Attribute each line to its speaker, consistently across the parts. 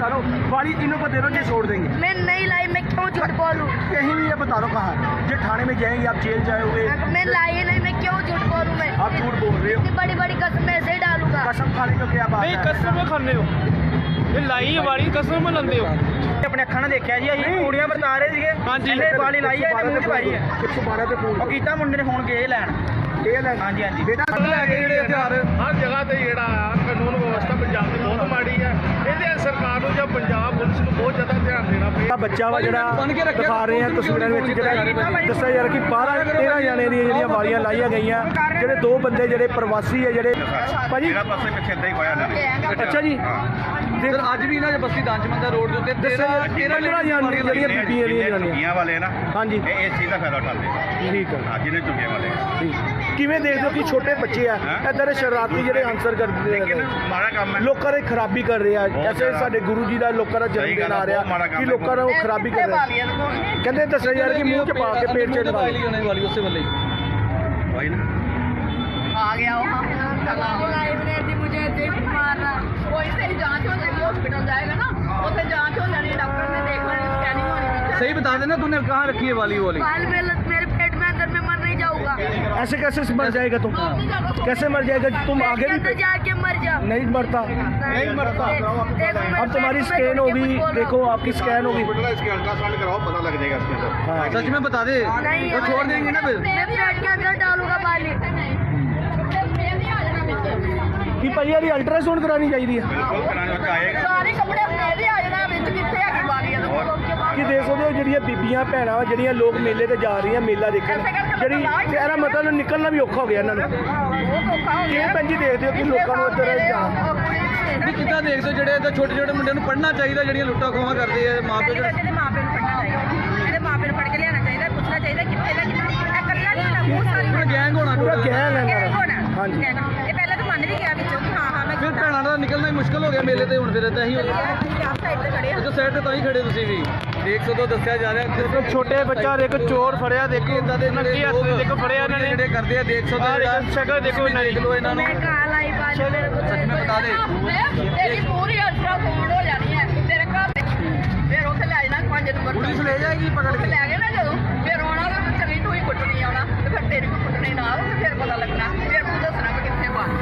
Speaker 1: बता रहा हूँ, वाली इन्हों को दे दो, ये छोड़ देंगे।
Speaker 2: मैं नहीं लाई, मैं क्यों झूठ बोलूं?
Speaker 1: कहीं भी ये बता रहा हूँ कहाँ, ये थाने में जाएंगे आप, जेल जाओगे।
Speaker 2: मैं लाई नहीं, मैं क्यों झूठ बोलूं? मैं
Speaker 1: आप झूठ बोल रहे हो।
Speaker 2: इतनी बड़ी बड़ी कसम मैं ऐसे ही डालूंगा।
Speaker 1: कसम खाने को क्या बात
Speaker 3: नहीं
Speaker 1: है?
Speaker 3: कसम खाने हो ये लाई वाली कसम लाते हो।
Speaker 4: अपने ਅੱਖਾਂ ਨਾਲ ਦੇਖਿਆ ਜੀ ਅਸੀਂ ਕੁੜੀਆਂ ਵਰਤਾ ਰਹੇ ਸੀਗੇ
Speaker 3: ਹਾਂਜੀ।
Speaker 4: ਇਹਨੇ ਵਾਲੀ ਲਾਈ ਹੈ ਇਹਨੇ ਮੂੰਹ 'ਚ ਪਾਈ ਹੈ
Speaker 1: 112 ਤੇ ਫੋਨ
Speaker 4: ਉਹ ਕੀਤਾ ਮੁੰਡੇ ਨੇ ਫੋਨ ਕੇ ਲੈਣ
Speaker 1: ਇਹ ਲੈ
Speaker 4: ਹਾਂਜੀ ਹਾਂਜੀ
Speaker 1: ਬੇਟਾ ਲੈ ਕੇ ਜਿਹੜੇ ਹਥਿਆਰ
Speaker 5: ਹਰ ਜਗ੍ਹਾ ਤੇ ਜਿਹੜਾ ਆ ਕਾਨੂੰਨ ਵਿਵਸਥਾ ਪੰਜਾਬ ਦੀ ਬਹੁਤ ਮਾੜੀ ਹੈ। ਇਹਦੇ ਸਰਕਾਰ ਨੂੰ ਜਾਂ ਪੰਜਾਬ ਪੁਲਿਸ ਨੂੰ ਬਹੁਤ ਜ਼ਿਆਦਾ ਧਿਆਨ ਦੇਣਾ ਪਏਗਾ।
Speaker 1: ਬੱਚਾ ਵਾ ਜਿਹੜਾ ਦਿਖਾ ਰਹੇ ਆ ਤਸਵੀਰਾਂ ਵਿੱਚ, ਜਿਹੜਾ ਦੱਸਿਆ ਯਾਰ ਕਿ 12-13 ਜਾਣੇ ਦੀਆਂ ਜਿਹੜੀਆਂ ਵਾਲੀਆਂ ਲਾਈਆਂ ਗਈਆਂ, ਜਿਹੜੇ 2 ਬੰਦੇ ਜਿਹੜੇ ਪ੍ਰਵਾਸੀ ਆ ਜਿਹੜੇ ਭਾਜੀ।
Speaker 5: ਪਾਸੇ ਪਿੱਛੇ ਇਦਾਂ ਹੀ ਹੋਇਆ ਨਾ
Speaker 1: ਅੱਛਾ ਜੀ,
Speaker 4: ਸਰ ਅੱਜ ਵੀ ਇਹਨਾਂ ਦੇ ਬਸਤੀ ਦਾਨਚਮੰਦਾ ਰੋਡ ਦੇ ਉੱਤੇ
Speaker 1: 13 ਜਾਣੇ ਜਿਹੜੀਆਂ ਬੀਬੀਆਂ ਦੀਆਂ ਜਨਾਨੀਆਂ।
Speaker 5: ਝੁੱਗੀਆਂ ਵਾਲੇ ਨਾ
Speaker 1: ਹਾਂਜੀ
Speaker 5: ਇਹ ਇਸ ਚੀਜ਼ ਦਾ ਫਾਇਦਾ ਉਠਾਉਂਦੇ ਆ।
Speaker 1: ਠੀਕ ਹੈ,
Speaker 5: ਹਾਂ ਜਿਹਨੇ ਝੁੱਗੀਆਂ ਵਾਲੇ
Speaker 1: ਠੀਕ। ਕਿਵੇਂ ਦੇਖਦੇ ਹੋ ਕਿ ਛੋਟੇ ਬੱਚੇ ਆ ਇੱਧਰ ਸ਼ਰਾਰਤੀ ਜਿਹੜੇ ਆਨਸਰ ਕਰਦੇ
Speaker 5: ਲੇਕਿਨ
Speaker 1: ਆ,
Speaker 5: ਮਾੜਾ ਕੰਮ ਹੈ।
Speaker 1: ਲੋਕਾਂ ਦੀ ਖਰਾਬੀ ਕਰ ਰਹੇ ਆ।
Speaker 5: ਬਹੁਤ
Speaker 1: ਐਸੇ
Speaker 5: ਜ਼ਿਆਦਾ।
Speaker 1: ਸਾਡੇ ਗੁਰੂ ਜੀ ਦਾ ਲੋਕਾਂ ਦਾ ਜਨਮ
Speaker 5: ਸਹੀ
Speaker 1: ਦਿਨ
Speaker 5: ਗੱਲ ਆ,
Speaker 1: ਆ ਰਿਹਾ
Speaker 5: ਬਹੁਤ ਮਾੜਾ ਕੰਮ
Speaker 1: ਕਿ
Speaker 5: ਹੈ।
Speaker 1: ਲੋਕਾਂ ਨੂੰ ਖਰਾਬੀ ਕਰ ਰਹੇ ਆ। ਕਹਿੰਦੇ ਦੱਸਿਆ ਯਾਰ ਕਿ ਮੂੰਹ ਚ ਪਾ ਕੇ ਪੇਟ ਚ ਲਗਾ ਲਈ।
Speaker 4: ਵਾਲੀ ਉਸੇ ਵੇਲੇ
Speaker 5: वही ना
Speaker 2: आ गया वहाँ लाइव ने दी मुझे जेब मार रहा। वहीं से ही जांच हो जाएगी, हॉस्पिटल जाएगा ना, उसे जांच हो जानी, डॉक्टर ने देख लेनी, स्कैनिंग होनी।
Speaker 4: सही बता देना तूने कहाँ रखी है वाली
Speaker 2: बाल मेरे पेट में अंदर में मर नहीं जाऊंगा।
Speaker 1: ऐसे कैसे मर जाएगा तुम? कैसे मर जाएगा तुम? आगे
Speaker 2: अंदर
Speaker 1: भी
Speaker 2: जाके मर जा।
Speaker 1: नहीं मरता, नहीं मरता। अब तुम्हारी स्कैन होगी, देखो आपकी स्कैन होगी।
Speaker 5: इसके अल्ट्रासाउंड कराओ, पता लग जाएगा इसके अंदर।
Speaker 1: हाँ।
Speaker 4: सच में बता दे
Speaker 2: नहीं,
Speaker 4: वो छोड़ देंगे ना फिर।
Speaker 2: मैं पेट के अंदर डालूंगा बाली।
Speaker 1: कि भाई यार अल्ट्रासाउंड करानी चाहिए।
Speaker 5: बिल्कुल कराने वाला आएगा।
Speaker 2: सारे कपड़े मेरे आ जाना ਵਿੱਚ ਕਿੱਥੇ ਆ ਗਈ ਬਾਲੀ
Speaker 1: ਕਿ ਦੇਖ ਸਕਦੇ ਹੋ ਜਿਹੜੀਆਂ ਬੀਬੀਆਂ ਭੈਣਾਂ ਵਾ ਜਿਹੜੀਆਂ ਲੋਕ ਮੇਲੇ ਤੇ ਜਾ ਰਹੀਆਂ, ਮੇਲਾ ਦੇਖਣ, ਜਿਹੜੀ ਇਹਦਾ ਮਤਲਬ ਨਿਕਲਣਾ ਵੀ ਔਖਾ ਹੋ ਗਿਆ ਇਹਨਾਂ ਨੂੰ। ਕਿਵੇਂ ਭੈਣ ਜੀ ਦੇਖਦੇ ਹੋ ਕਿ ਲੋਕਾਂ ਨੂੰ ਇੱਧਰ ਜਾਣਾ?
Speaker 4: ਵੀ ਕਿੱਦਾਂ ਦੇਖਦੇ ਹੋ ਜਿਹੜੇ ਇੱਦਾਂ ਛੋਟੇ ਛੋਟੇ ਮੁੰਡਿਆਂ ਨੂੰ ਪੜ੍ਹਨਾ ਚਾਹੀਦਾ, ਜਿਹੜੀਆਂ ਲੁੱਟਾਂ ਖੋਹਾਂ ਕਰਦੇ ਆ ਮਾਂ ਪਿਓ ਜਿਹੜੇ
Speaker 2: ਇਹਦੇ ਮਾਪੇ ਨੂੰ ਪੜਨਾ ਚਾਹੀਦਾ, ਇਹਦੇ ਮਾਪੇ ਨੂੰ ਪੜ ਕੇ ਲਿਆਣਾ ਚਾਹੀਦਾ, ਪੁੱਛਣਾ ਚਾਹੀਦਾ ਕਿੱਥੇ ਦਾ ਕਿੱਥੇ ਇਹ ਇਕੱਲਾ ਨਹੀਂ ਹੋਣਾ, ਬਹੁਤ ਸਾਰੀ
Speaker 4: ਪੂਰਾ ਗੈਂਗ ਹੋਣਾ
Speaker 1: ਪੂਰਾ
Speaker 4: ਟੋਟਲ।
Speaker 1: ਗੈਂਗ ਹੈ
Speaker 2: ਗੈਂਗ
Speaker 1: ਇਹਨਾਂ
Speaker 2: ਹੋਣਾ।
Speaker 1: ਦਾ। ਹਾਂਜੀ
Speaker 2: ਇਹ ਪਹਿਲਾਂ ਤਾਂ ਮੰਨ ਵੀ ਗਿਆ ਵਿੱਚੋਂ ਕਿ ਹਾਂ ਮੈਂ
Speaker 4: ਫਿਰ ਭੈਣਾਂ ਦਾ ਨਿਕਲਣਾ ਹੀ ਮੁਸ਼ਕਲ ਹੋ ਗਿਆ ਮੇਲੇ ਤੇ ਹੁਣ ਫਿਰ ਇਦਾਂ ਹੀ ਹੋ ਗਿਆ।
Speaker 2: ਆਪ ਸਾਈਡ ਤੇ ਖੜੇ ਆ।
Speaker 4: ਜੋ ਸਾਈਡ ਤੇ ਤਾਂ ਹੀ ਖੜੇ ਤੁਸੀਂ ਵੀ ਦੇਖ ਸਕਦੇ ਹੋ, ਦੱਸਿਆ ਜਾ ਰਿਹਾ ਦੇਖੋ
Speaker 3: ਛੋਟੇ ਬੱਚਾ ਦੇਖੋ ਚੋਰ ਫੜਿਆ, ਦੇਖੋ
Speaker 4: ਇਦਾਂ ਦੇ
Speaker 3: ਨੱਕੀ ਹੱਥ ਦੇਖੋ ਫੜਿਆ ਇਹਨਾਂ ਨੇ,
Speaker 4: ਜਿਹੜੇ ਕਰਦੇ ਆ ਦੇਖ ਸਕਦੇ ਹੋ
Speaker 3: ਆਹ ਸ਼ਕਲ ਦੇਖੋ ਇਹਨਾਂ ਦੀ।
Speaker 4: ਦੇਖ ਲਓ ਇਹਨਾਂ ਨੂੰ।
Speaker 2: ਮੈਂ ਕਹਾਂ लाई बाली मेरे को
Speaker 4: सच में बता दे।
Speaker 2: तेरी पूरी अल्ट्रासाउंड हो जानी है तेरे घर फिर उसे ले जाना 5 नंबर
Speaker 4: पुलिस ले जाएगी पकड़ के।
Speaker 2: ले गए ना जो फिर आना तो चली तू ही कुटनी आना तो फिर तेरी को कुटनी ना हो तो फिर पता लगना, फिर तू दसना कि कितने बार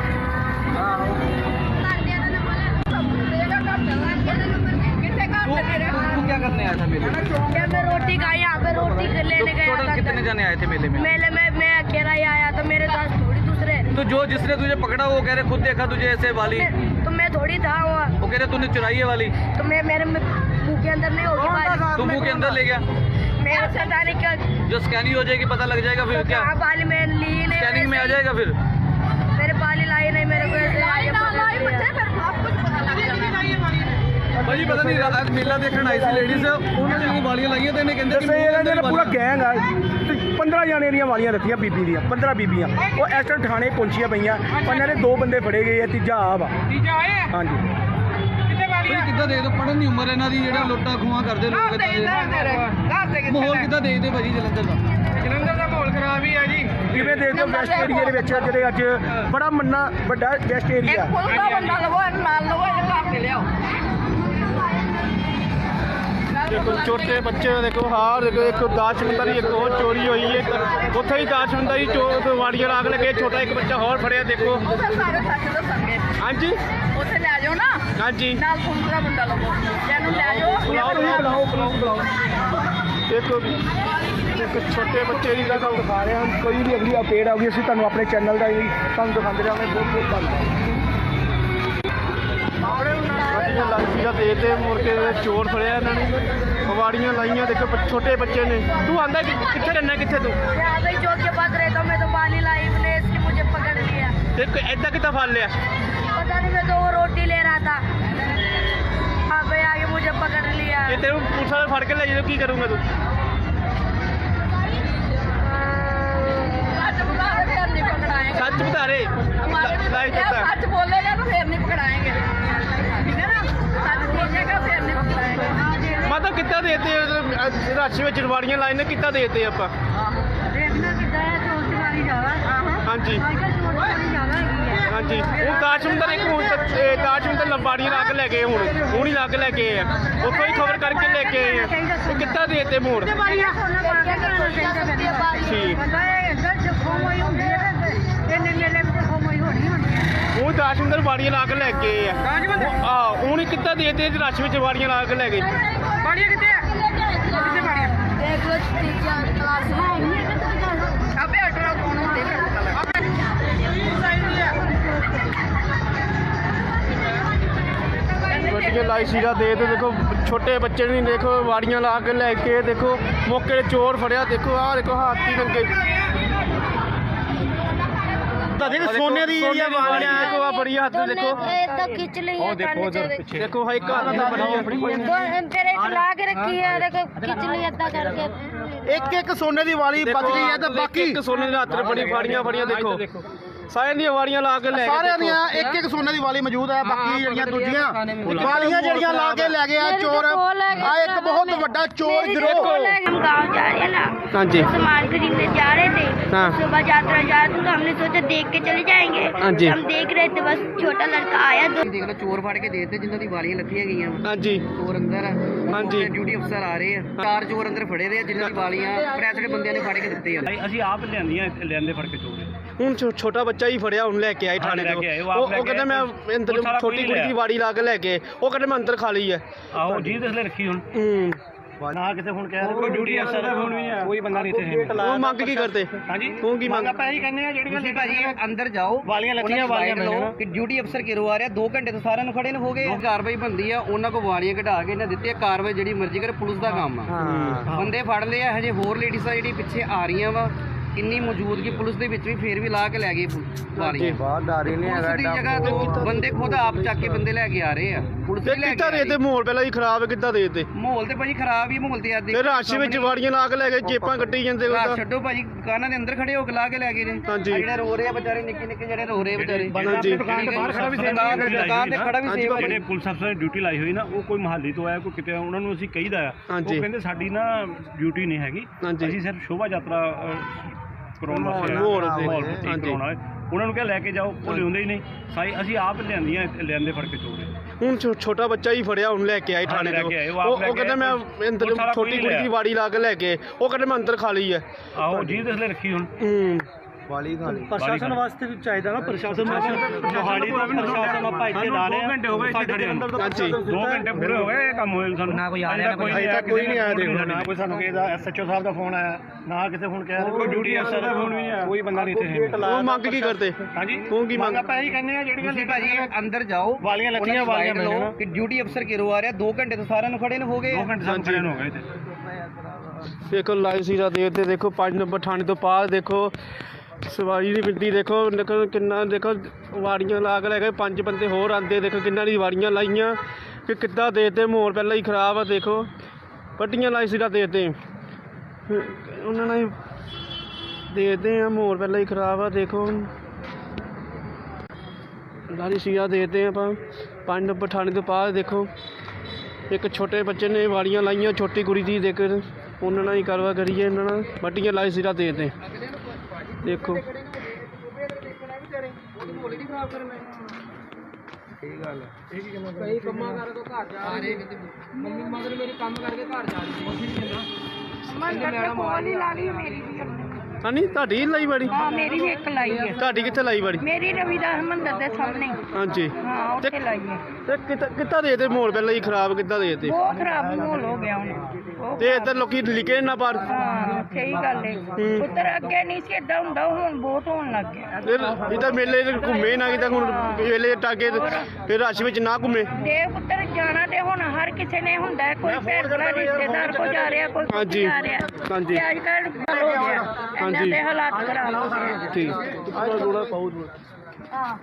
Speaker 4: तू क्या करने आया था मेले में?
Speaker 2: मैं रोटी खाई, यहाँ पे रोटी लेने गया
Speaker 4: टोटल
Speaker 2: था।
Speaker 4: कितने जने आए थे मेले में?
Speaker 2: मेले में मैं अकेला ही आया था, मेरे साथ थोड़ी दूसरे।
Speaker 4: तो जो जिसने तुझे पकड़ा वो कह रहे खुद देखा तुझे ऐसे वाली,
Speaker 2: तो मैं थोड़ी था वहाँ,
Speaker 4: वो कह रहे तूने चुराई है वाली,
Speaker 2: तो मैं मेरे मुंह के अंदर नहीं होगी बाली।
Speaker 4: तू मुंह के अंदर ले गया।
Speaker 2: मेरे से जाने क्या
Speaker 4: जो स्कैनिंग हो जाएगी पता लग जाएगा फिर क्या
Speaker 2: कहाँ बाली में ली नहीं,
Speaker 4: स्कैनिंग में आ जाएगा फिर।
Speaker 2: मेरे बाली लाई नहीं, मेरे को ऐसे
Speaker 4: भाजी पता नहीं आज मेला देखने आई थी लेडीज, उन्होंने जो वालियां लाइयां थे इन्हें कहंदे कि
Speaker 1: ਦੱਸਿਆ ਇਹਨਾਂ ਨੇ ਪੂਰਾ
Speaker 4: वालियां।
Speaker 1: ਗੈਂਗ ਆ। 15 ਜਾਣੇ ਦੀਆਂ ਵਾਲੀਆਂ ਰੱਖੀਆਂ ਬੀਬੀ ਦੀਆਂ, 15 ਬੀਬੀਆਂ। ਉਹ ਇਸ ਟਾਈਮ ਥਾਣੇ ਪਹੁੰਚੀਆਂ ਪਈਆਂ, ਉਹਨਾਂ ਦੇ 2 ਬੰਦੇ ਫੜੇ ਗਏ ਆ, ਤੀਜਾ ਆ ਵਾ। ਹਾਂਜੀ
Speaker 4: ਭਾਜੀ ਕਿੱਦਾਂ ਦੇਖਦੇ ਹੋ ਪੜਨ ਦੀ ਉਮਰ ਇਹਨਾਂ ਦੀ, ਜਿਹੜਾ ਲੁੱਟਾਂ ਖੋਹਾਂ ਕਰਦੇ ਲੋਕ ਇਦਾਂ ਦੇ ਮਾਹੌਲ ਕਿੱਦਾਂ ਦੇਖਦੇ ਭਾਜੀ ਜਲੰਧਰ ਦਾ?
Speaker 3: ਜਲੰਧਰ ਦਾ ਮਾਹੌਲ ਖਰਾਬ ਹੀ ਆ ਜੀ।
Speaker 1: ਕਿਵੇਂ ਦੇਖਦੇ ਹੋ ਵੈਸਟ ਏਰੀਆ ਦੇ ਵਿੱਚ ਜਿਹੜੇ ਅੱਜ ਬੜਾ ਮੰਨਾ ਵੱਡਾ ਵੈਸਟ ਏਰੀਆ?
Speaker 2: ਦਾ ਬੰਦਾ ਲਵੋ ਨਾਲ ਲਵੋ ਇਹ ਘਰ ਤੇ ਲਿਆਓ।
Speaker 3: ਦੇਖੋ ਛੋਟੇ ਬੱਚੇ ਦੇਖੋ, ਹਾਰ ਦੇਖੋ, ਇੱਕ ਦਾਸ਼ਮੰਦਾਰੀ ਇੱਕ ਹੋਰ ਚੋਰੀ ਹੋਈ ਹੈ ਉੱਥੇ ਹੀ ਦਾਸ਼ਮੰਦਾਰੀ ਵਾੜੀਆਂ ਲਾਗ ਲਗੇ, ਛੋਟਾ ਇੱਕ ਬੱਚਾ ਹੋਰ ਫੜਿਆ ਦੇਖੋ।
Speaker 2: ਉਹ ਫਿਰ ਸਾਰੇ ਸੱਚ ਦੱਸਣਗੇ,
Speaker 3: ਹਾਂਜੀ
Speaker 2: ਉੱਥੇ ਲੈ ਜਾਓ ਨਾ
Speaker 3: ਹਾਂਜੀ
Speaker 2: ਨਾਲ ਦੂਸਰਾ ਬੰਦਾ ਲਵੋ, ਜਿਹਨੂੰ ਲੈ ਜਾਓ
Speaker 1: ਬੁਲਾਓ।
Speaker 3: ਇੱਕ ਛੋਟੇ ਬੱਚੇ ਦੀ
Speaker 1: ਤੁਹਾਨੂੰ ਦਿਖਾ ਰਹੇ ਹਾਂ, ਕੋਈ ਵੀ ਅਗਲੀ ਅਪਡੇਟ ਆਊਗੀ ਅਸੀਂ ਤੁਹਾਨੂੰ ਆਪਣੇ ਚੈਨਲ ਦਾ ਹੀ ਤੁਹਾਨੂੰ ਦਿਖਾਉਂਦੇ ਰਹਾਂਗੇ। ਬਹੁਤ ਬਹੁਤ ਧੰਨਵਾਦ।
Speaker 3: ਵਾੜੀਆਂ ਲਾਈਆਂ ਦੇ ਤੇ ਮੁੜ ਕੇ ਚੋਰ ਫੜਿਆ ਇਹਨਾਂ ਨੇ, ਵਾੜੀਆਂ ਲਾਈਆਂ ਦੇਖੋ ਛੋਟੇ ਬੱਚੇ ਨੇ। ਤੂੰ ਆਂਦਾ ਕਿੱਥੇ ਰਹਿਣਾ, ਕਿੱਥੇ ਤੂੰ?
Speaker 2: यहाँ पे जो के पास रहता हूँ मैं, तो बाली लाइव ने इसकी मुझे पकड़ लिया।
Speaker 3: ਤੇ ਐਦਾਂ ਕਿੱਦਾਂ ਫੜ ਲਿਆ?
Speaker 2: पता नहीं, मैं तो वो रोटी ले रहा था, वहाँ पे आके मुझे पकड़ लिया।
Speaker 3: ਜੇ ਤੈਨੂੰ ਪੁਲਿਸ ਵਾਲੇ ਫੜ ਕੇ ਲੈ ਜਾਓ ਕੀ ਕਰੂੰਗਾ ਤੂੰ?
Speaker 2: सच बता रहे, फिर नहीं पकड़ाएंगे।
Speaker 3: ਸੱਚ ਬਤਾ ਰੇ
Speaker 2: सच बोलेगा तो फिर नहीं पकड़ाएंगे, ठीक है ना? सच बोलेगा फिर नहीं पकड़ाएंगे।
Speaker 3: ਮਤਲਬ ਕਿੱਦਾਂ ਦੇਤੇ ਰਸ਼ ਵਿੱਚ ਵਾੜੀਆਂ ਲਾਈਆਂ ਨੇ, ਕਿੱਦਾਂ ਦੇਤੇ ਆਪਾਂ?
Speaker 2: देखना कितना है, चोर चुरानी ज्यादा।
Speaker 3: ਹਾਂਜੀ
Speaker 2: चोर चुरानी ज्यादा है।
Speaker 3: ਹਾਂਜੀ ਹੁਣ ਦਾਸ਼ਮੰਦਰ ਇੱਕ ਹੁਣ ਦਾਸ਼ਮੰਦਰ ਲੰਬਾੜੀਆਂ ਲਾ ਕੇ ਲੈ ਗਏ ਹੁਣ ਹੀ ਲਾ ਕੇ ਲੈ ਕੇ ਆਏ ਆ ਉੱਥੋਂ ਹੀ ਖਬਰ ਕਰਕੇ ਲੈ ਕੇ ਆਏ ਆ ਇਹ ਕਿੱਦਾਂ ਦੇ ਦਿੱਤੇ ਮੋੜ ਠੀਕ ਉਹ ਦਾਸ਼ਮੰਦਰ ਵਾੜੀਆਂ ਲਾ ਕੇ ਲੈ ਕੇ ਆਏ ਆ ਹੁਣ ਹੀ ਕਿੱਦਾਂ ਦੇ ਦਿੱਤੇ ਰਸ਼ ਵਿੱਚ ਵਾੜੀਆਂ ਲਾ ਕੇ ਲੈ ਗਏ
Speaker 2: ਬਾੜੀਆਂ ਕਿੱਥੇ ਆ ਕਿੱਥੇ ਬਾੜੀਆਂ ਦੇਖ ਲੋ ਤੀਜਾ ਕਲਾਸ ਆਪੇ ਅਟਰਾ ਕੋਣ ਹੁੰਦੇ
Speaker 3: ਗੱਡੀਆਂ ਲਾਈ ਸੀਗਾ ਦੇ ਦੇਖੋ ਛੋਟੇ ਬੱਚੇ ਨਹੀਂ ਦੇਖੋ ਵਾੜੀਆਂ ਲਾ ਕੇ ਲੈ ਕੇ ਦੇਖੋ ਮੌਕੇ ਤੇ ਚੋਰ ਫੜਿਆ ਦੇਖੋ ਆਹ ਦੇਖੋ ਹਾਥੀ ਨੰਗੇ
Speaker 1: ਸੋਨੇ ਦੀ ਜਿਹੜੀਆਂ ਵਾਲੀਆਂ
Speaker 3: ਦੇਖੋ ਆ ਬੜੀ ਹੱਥ ਦੇਖੋ
Speaker 6: ਇਦਾਂ ਖਿੱਚ ਲਈ ਹੈ ਕੰਨ ਚ
Speaker 3: ਦੇਖੋ ਹਾਈ ਘਰ ਦਾ ਬੜੀ
Speaker 6: ਫਿਰ ਇੱਕ ਲਾ ਕੇ ਰੱਖੀ ਹੈ ਦੇਖੋ ਖਿੱਚ ਲਈ ਏਦਾਂ ਕਰਕੇ
Speaker 1: ਇੱਕ ਸੋਨੇ ਦੀ ਵਾਲੀ ਬਚ ਗਈ ਹੈ ਤੇ ਬਾਕੀ
Speaker 3: ਇੱਕ ਸੋਨੇ ਦੇ ਹੱਥ ਬੜੀ ਫਾੜੀਆਂ ਦੇਖੋ ਸਾਰਿਆਂ ਦੀਆਂ ਵਾੜੀਆਂ ਲਾ ਕੇ ਲੈ
Speaker 1: ਸਾਰਿਆਂ ਦੀਆਂ ਇੱਕ ਸੋਨੇ ਦੀ ਵਾਲੀ ਮੌਜੂਦ ਹੈ ਬਾਕੀ ਜਿਹੜੀਆਂ ਦੂਜੀਆਂ ਵਾਲੀਆਂ ਜਿਹੜੀਆਂ ਲਾ ਕੇ ਲੈ ਗਏ ਆ ਚੋਰ ਆ ਇੱਕ ਬਹੁਤ ਵੱਡਾ ਚੋਰ ਗਿਰੋਹ
Speaker 6: हम गाँव जा रहे हैं ना
Speaker 3: हाँ जी
Speaker 6: सामान खरीदने जा रहे थे
Speaker 3: हाँ।
Speaker 6: सुबह यात्रा जा रहे थे तो हमने सोचा देख के चले जाएंगे
Speaker 3: हाँ जी।
Speaker 6: हम देख रहे थे बस छोटा लड़का आया तो
Speaker 4: ਦੇਖ ਲਓ ਚੋਰ ਫੜ ਕੇ ਦੇ ਦਿੱਤੇ ਜਿਨ੍ਹਾਂ ਦੀ ਵਾਲੀਆਂ ਲੱਥੀਆਂ ਗਈਆਂ
Speaker 3: ਹਾਂਜੀ
Speaker 4: ਚੋਰ ਅੰਦਰ ਆ
Speaker 3: ਹਾਂਜੀ।
Speaker 4: ਡਿਊਟੀ ਅਫਸਰ ਆ ਰਹੇ ਆ 4 ਚੋਰ ਅੰਦਰ ਫੜੇ ਦੇ ਆ ਜਿਨ੍ਹਾਂ ਦੀ ਵਾਲੀਆਂ ਪ੍ਰੈਸ ਦੇ ਬੰਦਿਆਂ ਨੇ ਫੜ ਕੇ ਦਿੱਤੇ ਆ
Speaker 5: ਅਸੀਂ ਆਪ ਲਿਆਂਦੇ ਫੜ ਕੇ ਚੋਰ
Speaker 3: ਹੁਣ ਛੋਟਾ ਬੱਚਾ ਹੀ ਫੜਿਆ ਹੁਣ ਲੈ ਕੇ ਆਏ ਥਾਣੇ
Speaker 5: ਲੈ
Speaker 3: ਤੋਂ
Speaker 5: ਕੇ ਆਏ, ਉਹ ਆਪ ਲੈ
Speaker 3: ਉਹ
Speaker 5: ਕੇ
Speaker 3: ਕਹਿੰਦਾ ਮੈਂ
Speaker 5: ਆਏ।
Speaker 3: ਅੰਦਰ
Speaker 5: ਉਹ ਸਾਰਾ
Speaker 3: ਛੋਟੀ
Speaker 5: ਕੁੜੀ
Speaker 3: ਕੁੜੀ ਦੀ
Speaker 5: ਲਿਆ।
Speaker 3: ਵਾੜੀ ਲਾ ਕੇ ਲੈ ਕੇ ਉਹ ਕਹਿੰਦਾ ਮੈਂ ਅੰਦਰ ਖਾ ਲਈ ਹੈ
Speaker 5: ਆਹੋ ਜੀ ਦੱਸਲੇ ਰੱਖੀ ਹੁਣ ਨਾ ਕਿਸੇ ਹੁਣ ਕਹਿ
Speaker 3: ਕੋਈ
Speaker 5: ਡਿਊਟੀ ਅਫਸਰ ਦਾ ਫੋਨ ਵੀ ਆ ਕੋਈ ਬੰਦਾ ਨਹੀਂ ਇੱਥੇ
Speaker 3: ਉਹ ਮੰਗ ਕੀ ਕਰਦੇ
Speaker 5: ਹਾਂਜੀ
Speaker 3: ਉਹ ਕੀ ਮੰਗ
Speaker 5: ਆਪਾਂ ਇਹੀ ਕਹਿੰਦੇ ਆ ਜਿਹੜੀਆਂ
Speaker 4: ਤੁਸੀਂ ਭਾਜੀ ਅੰਦਰ ਜਾਓ
Speaker 5: ਵਾਲੀਆਂ ਲੱਥੀਆਂ ਵਾਲੀਆਂ
Speaker 4: ਲਓ ਕਿ ਡਿਊਟੀ ਅਫਸਰ ਕਿਰੋ ਆ ਰਿਹਾ 2 ਘੰਟੇ ਤੋਂ ਸਾਰਿਆਂ ਨੂੰ ਖੜੇ ਨੂੰ ਹੋ ਗਏ ਕਾਰਵਾਈ ਬੰਦੀ ਆ ਉਹਨਾਂ ਕੋ ਵਾਲੀਆਂ ਕਢਾ ਕੇ ਇਹਨਾਂ ਦਿੱਤੀ ਆ ਕਾਰਵਾਈ ਜਿਹੜੀ ਮਰਜ਼ੀ ਕਰੇ ਪੁਲਿਸ ਦਾ ਕੰਮ ਆ ਬੰਦੇ ਫੜ ਲਏ ਆ ਹਜੇ ਹੋਰ ਲੇਡੀਜ਼ਾਂ ਜਿਹੜੀ ਪਿੱਛੇ ਆ ਰਹੀਆਂ ਵਾ ਇੰਨੀ ਮੌਜੂਦਗੀ ਪੁਲਿਸ ਦੇ ਵਿੱਚ ਵੀ ਫੇਰ ਵੀ ਲਾ ਕੇ ਲੈ ਗਏ ਵਾਲੀਆਂ
Speaker 1: ਬਾਹਰ ਡਾਰੀ ਨਹੀਂ
Speaker 4: ਪੁਲਿਸ ਦੀ ਜਗ੍ਹਾ ਤੋਂ ਬੰਦੇ ਖੁਦ ਆਪ ਚੱਕ ਕੇ ਬੰਦੇ ਲੈ ਕੇ ਆ ਰਹੇ ਆ ਪੁਲਿਸ ਵੀ ਲੈ ਕੇ
Speaker 3: ਕਿੱਦਾਂ
Speaker 4: ਆ
Speaker 3: ਦੇ
Speaker 4: ਰਹੀ
Speaker 3: ਤੇ ਮਾਹੌਲ ਪਹਿਲਾਂ ਹੀ ਖਰਾਬ ਹੈ ਕਿੱਦਾਂ ਦੇ ਤੇ
Speaker 4: ਮਾਹੌਲ ਤੇ ਭਾਜੀ ਖਰਾਬ ਹੀ ਮਾਹੌਲ ਤੇ ਆ
Speaker 3: ਤੇ ਰਸ਼ ਵਿੱਚ ਵਾੜੀਆਂ ਲਾ ਕੇ ਲੈ ਗਏ ਜੇਬਾਂ ਕੱਟੀ ਜਾਂਦੇ ਉਹ ਤਾਂ
Speaker 4: ਛੱਡੋ ਭਾਜੀ ਦੁਕਾਨਾਂ ਦੇ ਅੰਦਰ ਖੜੇ ਹੋ ਕੇ ਲਾ ਕੇ ਲੈ ਗਏ ਨੇ
Speaker 3: ਹਾਂਜੀ।
Speaker 4: ਆਹ ਜਿਹੜੇ ਰੋ ਰਹੇ ਆ ਵਿਚਾਰੇ ਨਿੱਕੇ ਨਿੱਕੇ ਜਿਹੜੇ ਰੋ ਰਹੇ ਆ ਵਿਚਾਰੇ
Speaker 3: ਹਾਂਜੀ।
Speaker 5: ਦੁਕਾਨ ਦੇ ਬਾਹਰ ਖੜਾ ਵੀ
Speaker 4: ਦੁਕਾਨ ਤੇ ਖੜਾ ਵੀ ਸੇਵਾ
Speaker 5: ਜਿਹੜੇ ਪੁਲਿਸ ਅਫਸਰ ਨੇ ਡਿਊਟੀ ਲਾਈ ਹੋਈ ਨਾ ਉਹ ਕੋਈ ਮਹੱਲੀ ਤੋਂ ਆਇਆ ਕੋਈ ਕਿਤੇ ਉਹਨਾਂ ਨੂੰ ਅਸੀਂ ਕਹੀਦਾ ਆ ਉਹ
Speaker 3: ਹਾਂਜੀ।
Speaker 5: ਕਹਿੰਦੇ ਸਾਡੀ ਨਾ ਡਿਊਟੀ ਨਹੀਂ ਹੈਗੀ
Speaker 3: ਹਾਂਜੀ।
Speaker 5: ਅਸੀਂ ਸਿਰਫ ਸ਼ੋਭਾ ਯਾਤਰਾ ਕਰਾਉਣ ਵਾਸਤੇ
Speaker 3: ਮਾਹੌਲ ਦੇ।
Speaker 5: ਮਾਹੌਲ
Speaker 3: ਹਾਂਜੀ।
Speaker 5: ਕਰਾਉਣਾ ਹੈ ਉਹਨਾਂ ਨੂੰ ਕਿਹਾ ਲੈ ਕੇ ਜਾਓ ਉਹ ਲਿਆਉਂਦੇ ਹੀ ਨਹੀਂ ਅਸੀਂ ਆਪ ਲਿਆਂਦੇ ਫੜ ਕੇ ਚੋਰੇ
Speaker 3: ਹੁਣ ਛੋਟਾ ਬੱਚਾ ਹੀ ਫੜਿਆ ਹੁਣ ਲੈ ਕੇ ਆਏ ਥਾਣੇ
Speaker 5: ਲੈ
Speaker 3: ਤੋਂ
Speaker 5: ਕੇ ਆਏ, ਉਹ ਆਪ ਲੈ
Speaker 3: ਉਹ
Speaker 5: ਕੇ
Speaker 3: ਕਹਿੰਦਾ ਮੈਂ
Speaker 5: ਆਏ।
Speaker 3: ਅੰਦਰ
Speaker 5: ਉਹ ਸਾਰਾ
Speaker 3: ਛੋਟੀ
Speaker 5: ਕੁੜੀ
Speaker 3: ਕੁੜੀ ਦੀ
Speaker 5: ਲਿਆ।
Speaker 3: ਵਾੜੀ ਲਾ ਕੇ ਲੈ ਕੇ ਉਹ ਕਹਿੰਦਾ ਮੈਂ ਅੰਦਰ ਖਾ ਲਈ ਹੈ
Speaker 5: ਆਹੋ ਜੀ ਦੱਸਲੇ ਰੱਖੀ ਹੁਣ
Speaker 1: ਵਾਲੀ ਖਾਲੀ
Speaker 5: ਪ੍ਰਸ਼ਾਸਨ ਵਾਸਤੇ ਵੀ ਚਾਹੀਦਾ ਨਾ ਪ੍ਰਸ਼ਾਸਨ ਮੋਹਾਲੀ ਤੋਂ ਵੀ ਪ੍ਰਸ਼ਾਸਨ ਆਪਾਂ ਇੱਥੇ ਲਾ ਰਹੇ 2 ਘੰਟੇ ਹੋ ਗਏ ਇੱਥੇ ਖੜੇ ਅੰਦਰ
Speaker 3: ਹਾਂਜੀ
Speaker 5: 2 ਘੰਟੇ ਪੂਰੇ ਹੋ ਗਏ ਇਹ ਕੰਮ ਹੋਏ ਸਾਨੂੰ ਨਾ ਕੋਈ ਆ ਰਿਹਾ ਕੋਈ ਨਹੀਂ ਆਇਆ ਦੇਖੋ ਨਾ ਕੋਈ ਸਾਨੂੰ ਕਿਸੇ ਦਾ ਐਸਐਚਓ ਸਾਹਿਬ ਦਾ ਫੋਨ ਆਇਆ ਨਾ ਕਿਸੇ ਹੁਣ ਕਹਿ ਕੋਈ ਡਿਊਟੀ ਅਫਸਰ ਦਾ ਫੋਨ ਵੀ ਆਇਆ ਕੋਈ ਬੰਦਾ ਨਹੀਂ ਇੱਥੇ
Speaker 3: ਉਹ ਮੰਗ ਕੀ ਕਰਦੇ
Speaker 5: ਹਾਂਜੀ
Speaker 3: ਉਹ ਕੀ ਮੰਗ
Speaker 5: ਆਪਾਂ ਇਹੀ ਕਹਿੰਦੇ ਆ ਜਿਹੜੀਆਂ
Speaker 4: ਤੁਸੀਂ ਭਾਜੀ ਅੰਦਰ ਜਾਓ
Speaker 5: ਵਾਲੀਆਂ ਲੱਥੀਆਂ ਵਾਲੀਆਂ
Speaker 4: ਲਓ ਕਿ ਡਿਊਟੀ ਅਫਸਰ ਕਿਰੋ ਆ ਰਿਹਾ 2 ਘੰਟੇ ਤੋਂ ਸਾਰਿਆਂ ਨੂੰ ਖੜੇ ਨੂੰ ਹੋ ਗਏ
Speaker 5: 2 ਘੰਟੇ ਸਾਨੂੰ ਖੜੇ ਹੋ ਗਏ ਇੱਥੇ
Speaker 3: ਦੇਖੋ ਲਾਈਵ ਸੀਰਾ ਦੇਖਦੇ ਦੇਖੋ 5 ਨੰਬਰ ਥਾਣੇ ਤੋਂ ਪਾਰ ਦੇਖੋ ਸਵਾਰੀ ਦੀ ਗਿਣਤੀ ਦੇਖੋ ਕਿੰਨਾ ਦੇਖੋ ਵਾੜੀਆਂ ਲਾ ਕੇ ਲੈ ਗਏ 5 ਬੰਦੇ ਹੋਰ ਆਂਦੇ ਦੇਖੋ ਕਿੰਨਾਂ ਦੀ ਵਾੜੀਆਂ ਲਾਈਆਂ ਕਿ ਕਿੱਦਾਂ ਦੇਤੇ ਮਾਹੌਲ ਪਹਿਲਾਂ ਹੀ ਖਰਾਬ ਆ ਦੇਖੋ ਪੱਟੀਆਂ ਲਾਈ ਸੀਰਾ ਦੇਤੇ ਉਹਨਾਂ ਨੇ ਦੇਤੇ ਆ ਮਾਹੌਲ ਪਹਿਲਾਂ ਹੀ ਖਰਾਬ ਆ ਦੇਖੋ ਲਾਰੀ ਸੀਰਾ ਦੇਤੇ ਆਪਾਂ 5 ਨੰਬਰ ਥਾਣੇ ਤੋਂ ਪਾਰ ਦੇਖੋ ਇੱਕ ਛੋਟੇ ਬੱਚੇ ਨੇ ਵਾੜੀਆਂ ਲਾਈਆਂ ਛੋਟੀ ਕੁੜੀ ਦੀ ਦੇਖ ਉਹਨਾਂ ਨਾਲ ਹੀ ਕਾਰਵਾ ਕਰੀਏ ਇਹਨਾਂ ਨਾਲ ਵੱਟੀਆਂ ਲਾਈ ਸੀਰਾ ਦੇਤੇ ਦੇਖੋ
Speaker 4: ਕਈ ਕੰਮਾਂ ਕਰਕੇ ਘਰ ਜਾ ਰਹੇ ਮੰਮੀ ਮਦਰ ਮੇਰੇ ਕੰਮ ਕਰਕੇ ਘਰ ਜਾ ਰਹੀ ਸੀ
Speaker 3: ਹਾਂਜੀ ਤੁਹਾਡੀ ਲਾਈ ਵਾੜੀ
Speaker 6: हाँ मेरी भी एक लाई है
Speaker 3: ਤੁਹਾਡੀ ਕਿੱਥੇ ਲਾਈ ਵਾੜੀ
Speaker 6: मेरी रविदास मंदिर के सामने
Speaker 3: ਹਾਂਜੀ
Speaker 6: हाँ उत्थे लाई है
Speaker 3: ਤੇ ਕਿੱਦਾਂ ਦੇ ਤੇ ਮਾਹੌਲ ਪਹਿਲਾਂ ਹੀ ਖਰਾਬ ਕਿੱਦਾਂ ਦੇ ਤੇ
Speaker 6: बहुत खराब माहौल हो गया हूँ
Speaker 3: ਤੇ ਇੱਧਰ ਲੋਕੀ ਲਿਖੇ ਨਾ ਪਰ
Speaker 6: हाँ सही गल है पुत्र अगे नहीं सी इदा हुंदा हुण बहुत होण लग गया
Speaker 3: ਫਿਰ ਇੱਧਰ ਮੇਲੇ ਤੇ ਘੁੰਮੇ ਨਾ ਕਿਤੇ ਹੁਣ ਮੇਲੇ ਟਾਕੇ ਫਿਰ ਰਸ਼ ਵਿੱਚ ਨਾ ਘੁੰਮੇ
Speaker 6: ਦੇ ਪੁੱਤਰ ਜਾਣਾ ਤੇ ਹੁਣ ਹਰ ਕਿਸੇ ਨੇ ਹੁੰਦਾ ਹੈ, ਕੋਈ ਭੈਣ ਭਰਾ ਰਿਸ਼ਤੇਦਾਰ ਕੋ ਜਾ ਰਿਹਾ ਕੋਈ
Speaker 3: ਹਾਂਜੀ।
Speaker 6: ਜਾ ਰਿਹਾ
Speaker 3: ਹਾਂਜੀ।
Speaker 6: ਤੇ ਅੱਜ ਕੱਲ ਹੋ ਗਿਆ ਇਹਨਾਂ ਦੇ ਹਾਲਾਤ ਖਰਾਬ ਹੋ ਗਏ
Speaker 3: ਠੀਕ ਥੋੜਾ ਪਾਉ
Speaker 6: ਹਾਂ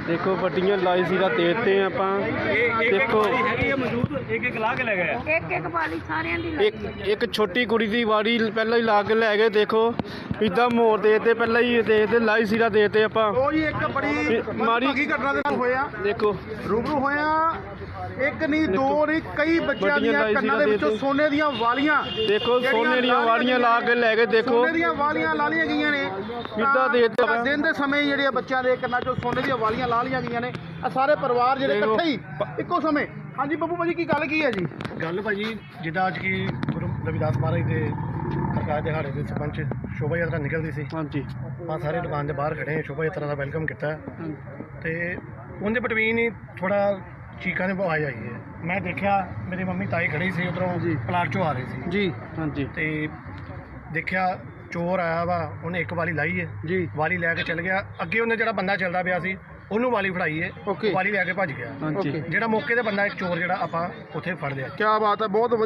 Speaker 3: ਦੇਖੋ ਵੱਡੀਆਂ ਲਾਈ ਸੀਰਾ ਦੇਤੇ ਆਪਾਂ ਦੇਖੋ
Speaker 5: ਹੈਗੀ ਹੈ ਮੌਜੂਦ ਇੱਕ ਲਾ ਕੇ ਲੈ ਗਏ ਆ।
Speaker 6: ਇੱਕ ਵਾਲੀ ਸਾਰਿਆਂ ਦੀ
Speaker 3: ਇੱਕ ਛੋਟੀ ਕੁੜੀ ਦੀ ਵਾਰੀ ਪਹਿਲਾਂ ਹੀ ਲਾ ਕੇ ਲੈ ਗਏ ਦੇਖੋ ਇਦਾਂ ਮੋਰ ਦੇਤੇ ਪਹਿਲਾਂ ਹੀ ਦੇਤੇ ਲਾਈ ਸੀਰਾ ਦੇਤੇ ਆਪਾਂ
Speaker 7: ਉਹ ਜੀ ਇੱਕ ਬੜੀ
Speaker 3: ਮਾੜੀ
Speaker 7: ਭਾਗੀ ਘਟਨਾ ਦੇ ਨਾਲ ਹੋਇਆ
Speaker 3: ਦੇਖੋ
Speaker 7: ਰੂਬਰੂ ਹੋਇਆ। ਇੱਕ ਨਹੀਂ ਦੋ ਨਹੀਂ ਕਈ ਬੱਚਿਆਂ
Speaker 3: ਵੱਡੀਆਂ
Speaker 7: ਦੀਆਂ
Speaker 3: ਲਾਈ
Speaker 7: ਕੰਨਾਂ
Speaker 3: ਸੀਗਾ
Speaker 7: ਦੇ ਵਿੱਚੋਂ
Speaker 3: ਦੇ
Speaker 7: ਸੋਨੇ ਦੀਆਂ ਵਾਲੀਆਂ
Speaker 3: ਦੇਖੋ ਸੋਨੇ ਦੀਆਂ ਵਾੜੀਆਂ ਲਾ ਕੇ ਲੈ ਗਏ ਦੇਖੋ
Speaker 7: ਸੋਨੇ ਦੀਆਂ ਵਾਲੀਆਂ ਲਾ ਲਈਆਂ ਗਈਆਂ ਨੇ
Speaker 3: ਕਿੱਦਾਂ ਦੇ ਦਿੱਤਾ ਵਾ।
Speaker 7: ਦਿਨ ਦੇ ਸਮੇਂ ਜਿਹੜੇ ਆ ਬੱਚਿਆਂ ਦੇ ਕੰਨਾਂ 'ਚੋਂ ਸੋਨੇ ਦੀਆਂ ਵਾਲੀਆਂ ਲਾ ਲਈਆਂ ਗਈਆਂ ਨੇ ਆ ਸਾਰੇ ਪਰਿਵਾਰ ਜਿਹੜੇ
Speaker 3: ਦੇਖੋ।
Speaker 7: ਇਕੱਠੇ ਹੀ ਇੱਕੋ ਸਮੇਂ। ਹਾਂਜੀ ਬੱਬੂ ਭਾਜੀ ਕੀ ਗੱਲ ਕੀ ਹੈ ਜੀ?
Speaker 5: ਗੱਲ ਭਾਜੀ ਜਿੱਦਾਂ ਅੱਜ ਕੀ ਗੁਰੂ ਰਵਿਦਾਸ ਮਹਾਰਾਜ ਦੇ ਪ੍ਰਕਾਸ਼ ਦਿਹਾੜੇ ਦੇ ਸਰਪੰਚ ਸ਼ੋਭਾ ਯਾਤਰਾ ਨਿਕਲਦੀ ਸੀ
Speaker 3: ਹਾਂਜੀ
Speaker 5: ਆਪਾਂ ਸਾਰੇ ਦੁਕਾਨ ਦੇ ਬਾਹਰ ਖੜੇ ਹਾਂ ਸ਼ੋਭਾ ਯਾਤਰਾ ਦਾ ਵੈਲਕਮ ਕੀਤਾ ਤੇ ਉਹਦੇ ਬਟਵੀਨ ਹੀ ਥੋੜਾ ਚੀਕਾਂ ਦੀ ਆਵਾਜ਼ ਆਈ ਹੈ। ਮੈਂ ਦੇਖਿਆ ਮੇਰੀ ਮੰਮੀ ਤਾਈ ਖੜੀ ਸੀ ਉਧਰੋਂ ਪਲਾਟ ਚੋਂ ਆ ਰਹੀ ਸੀ
Speaker 3: ਜੀ ਹਾਂਜੀ
Speaker 5: ਤੇ ਦੇਖਿਆ ਚੋਰ ਆਇਆ ਵਾ ਉਹਨੇ ਇੱਕ ਵਾਲੀ ਲਾਈ ਹੈ
Speaker 7: ਜੀ
Speaker 5: ਵਾਲੀ ਲੈ ਕੇ ਚੱਲ ਗਿਆ। ਅੱਗੇ ਉਹਨੇ ਜਿਹੜਾ ਬੰਦਾ ਚੱਲਦਾ ਪਿਆ ਸੀ ਉਹਨੂੰ ਵਾਲੀ ਫੜਾਈ ਹੈ
Speaker 7: Okay.
Speaker 5: ਵਾਲੀ ਲੈ ਕੇ ਭੱਜ ਗਿਆ।
Speaker 3: ਹਾਂਜੀ
Speaker 5: ਜਿਹੜਾ ਮੌਕੇ ਤੇ ਬੰਦਾ ਇੱਕ ਚੋਰ ਜਿਹੜਾ ਆਪਾਂ ਉੱਥੇ ਫੜ ਲਿਆ।
Speaker 7: ਕੀ ਬਾਤ ਹੈ, ਬਹੁਤ